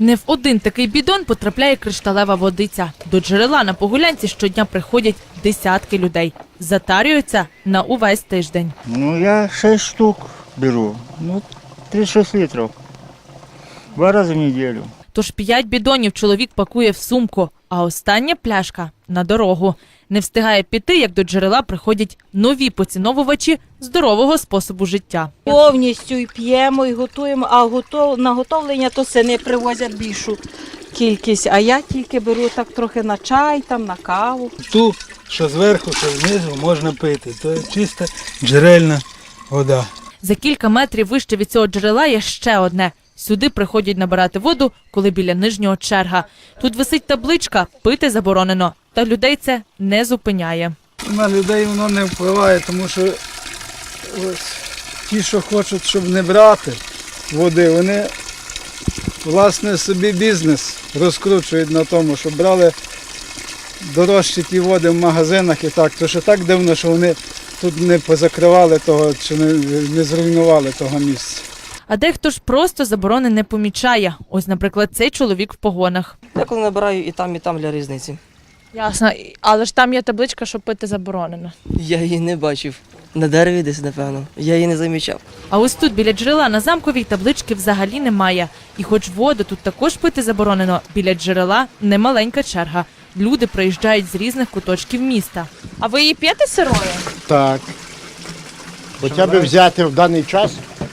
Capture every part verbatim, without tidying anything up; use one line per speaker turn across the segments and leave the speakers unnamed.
Не в один такий бідон потрапляє кришталева водиця. До джерела на Погулянці щодня приходять десятки людей. Затарюються на увесь тиждень.
Ну, я шість штук беру. Ну, тридцять шість літрів. Два рази в неділю.
Тож п'ять бідонів чоловік пакує в сумку, а остання пляшка – на дорогу. Не встигає піти, як до джерела приходять нові поціновувачі здорового способу життя.
Повністю і п'ємо, і готуємо, а готов, на готовлення то сини привозять більшу кількість, а я тільки беру так трохи на чай, там, на каву.
Ту, що зверху, що знизу, можна пити. Це чиста джерельна вода.
За кілька метрів вище від цього джерела є ще одне. Сюди приходять набирати воду, коли біля нижнього черга. Тут висить табличка «Пити заборонено». Та людей це не зупиняє.
На людей воно не впливає, тому що ось, ті, що хочуть, щоб не брати води, вони власне собі бізнес розкручують на тому, щоб брали дорожчі ті води в магазинах і так. То що так дивно, що вони тут не позакривали того, чи не, не зруйнували того місця.
А дехто ж просто заборони не помічає. Ось, наприклад, цей чоловік в погонах.
Я коли набираю і там, і там для різниці.
Ясно, але ж там є табличка, що пити заборонено.
Я її не бачив. На дереві десь, напевно. Я її не замічав.
А ось тут, біля джерела, на Замковій таблички взагалі немає. І хоч воду тут також пити заборонено, біля джерела немаленька черга. Люди приїжджають з різних куточків міста. А ви її п'єте сирою?
Так. Хоча б взяти в даний час.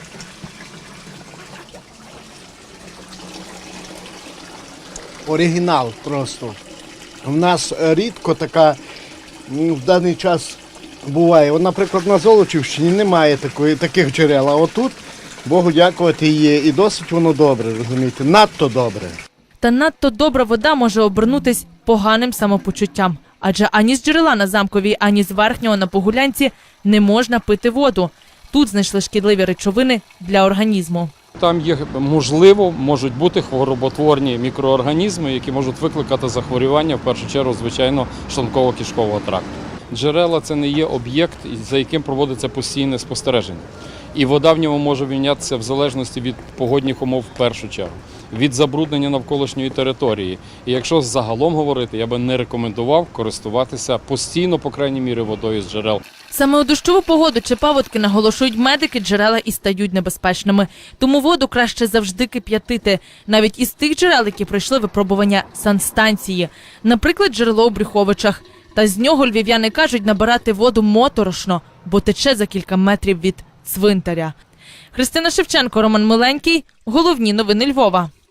Оригінал просто. У нас рідко така ну, в даний час буває. От, наприклад, на Золочівщині немає такої, таких джерел, а отут, Богу дякувати, є. І досить воно добре, розумієте, надто добре.
Та надто добра вода може обернутись поганим самопочуттям. Адже ані з джерела на Замковій, ані з верхнього на Погулянці не можна пити воду. Тут знайшли шкідливі речовини для організму.
Там є, можливо, можуть бути хвороботворні мікроорганізми, які можуть викликати захворювання, в першу чергу, звичайно, шлунково-кишкового тракту. Джерела – це не є об'єкт, за яким проводиться постійне спостереження. І вода в ньому може мінятися в залежності від погодних умов в першу чергу, від забруднення навколишньої території. І якщо загалом говорити, я би не рекомендував користуватися постійно, по крайній мірі, водою з джерел.
Саме у дощову погоду чи паводки, наголошують медики, джерела і стають небезпечними. Тому воду краще завжди кип'ятити. Навіть із тих джерел, які пройшли випробування санстанції. Наприклад, джерело у Брюховичах. Та з нього львів'яни кажуть, набирати воду моторошно, бо тече за кілька метрів від цвинтаря. Христина Шевченко, Роман Миленький. Головні новини Львова.